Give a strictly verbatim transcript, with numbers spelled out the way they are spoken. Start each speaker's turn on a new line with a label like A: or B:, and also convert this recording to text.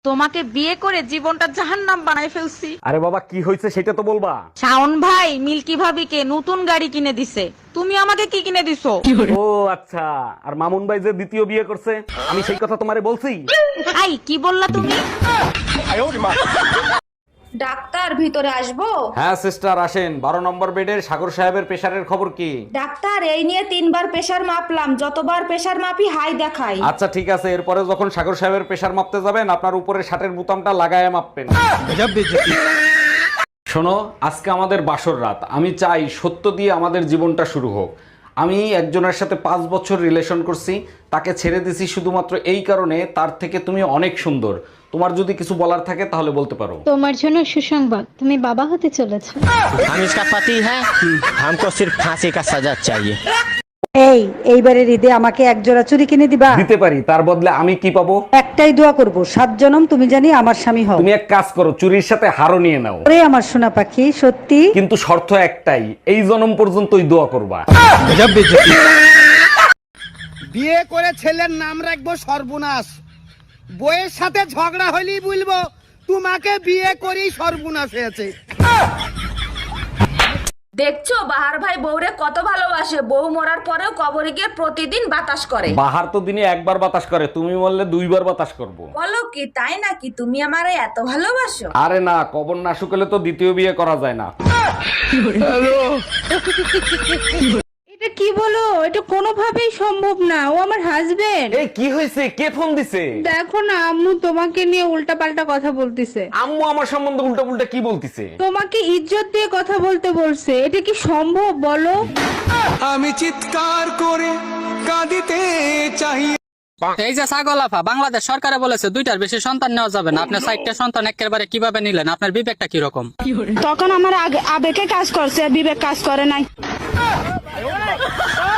A: তোমাকে বিয়ে করে জীবনটা জাহান্নাম বানাই ফেলছি।
B: আরে বাবা কি হয়েছে সেটা তো বলবা।
A: শাওন ভাই মিল্কি ভাবিকে নতুন গাড়ি কিনে দিছে, তুমি আমাকে কি কিনে দিছো?
B: ও আচ্ছা, আর মামুন ভাই যে দ্বিতীয় বিয়ে করছে আমি সেই কথা তোমারে বলছি।
A: আই কি বললা তুমি?
C: ডাক্তার ভিতরে আসবো?
B: হ্যাঁ সিস্টার আসেন। বারো নম্বর বেডের সাগর সাহেবের প্রেশারের খবর কি?
C: ডাক্তার এই নিয়ে তিনবার প্রেসার মাপলাম, যতবার প্রেসার মাপি হাই দেখাই।
B: আচ্ছা ঠিক আছে, এরপরে যখন সাগর সাহেবের প্রেশার মাপতে যাবেন আপনার উপরে শার্টের বোতামটা লাগায় মাপবেন। শোনো, আজকে আমাদের বাসর রাত। আমি চাই সত্য দিয়ে আমাদের জীবনটা শুরু হোক। আমি একজনের সাথে পাঁচ বছর রিলেশন করছি, তাকে ছেড়ে দিছি শুধুমাত্র এই কারণে তার থেকে তুমি অনেক সুন্দর। তোমার যদি কিছু বলার থাকে তাহলে বলতে পারো।
D: তোমার জন্য সুসংবাদ, তুমি বাবা হতে চলেছো।
E: हम इसका पति है, हमको सिर्फ फांसी का सजा चाहिए।
F: এই এইবারের ঈদে আমাকে এক জোড়া চুড়ি কিনে দিবা?
B: দিতে পারি, তার বদলে আমি কি পাবো?
F: একটাই দোয়া করব, সাত জনম তুমি জানি আমার স্বামী হও।
B: তুমি এক কাজ করো, চুরির সাথে হারও নিয়ে নাও।
F: ওরে আমার সোনা পাখি, সত্যি?
B: কিন্তু শর্ত একটাই, এই জনম পর্যন্তই দোয়া করবা।
G: বিয়ে করে ছেলের নাম রাখবো সর্বনাশ, বইয়ের সাথে ঝগড়া হলেই বলবো তোমাকে বিয়ে করেই সর্বনাশ হয়েছে।
C: দেখছো বাহার ভাই বউরে কত ভালোবাসে, বউ মরার পরেও কবরে গিয়ে প্রতিদিন বাতাস করে।
B: বাহার তো দিনে একবার বাতাস করে, তুমি বললে দুইবার বাতাস করব।
C: বলো কি তাই নাকি? তুমি আমারে এত ভালোবাসো?
B: আরে না, কবর না শুকলে তো দ্বিতীয় বিয়ে করা যায় না।
D: এটা কি বলো? এটা কোনোভাবেই সম্ভব না, ও আমার হাজবেন্ড।
B: এই কি হয়েছে? কে ফোন দিছে?
D: দেখো না, আম্মু তোমাকে নিয়ে উল্টাপাল্টা কথা বলতিছে।
B: আম্মু আমার সম্বন্ধে উল্টা পুল্টা কি বলতিছে?
D: তোমাকে ইজ্জত দিয়ে কথা বলতে বলছে, এটা কি সম্ভব বলো?
G: আমি চিৎকার করে কাঁদিতে চাই।
H: এই যে ছাগল আফা, বাংলাদেশ সরকারে বলেছে দুইটার বেশি সন্তান নেওয়া যাবে না। আপনার চারটা সন্তান একেবারে কিভাবে নিলেন? আপনার বিবেকটা কি রকম?
C: তখন আমার আবেগে কাজ করছে, বিবেক কাজ করে নাই।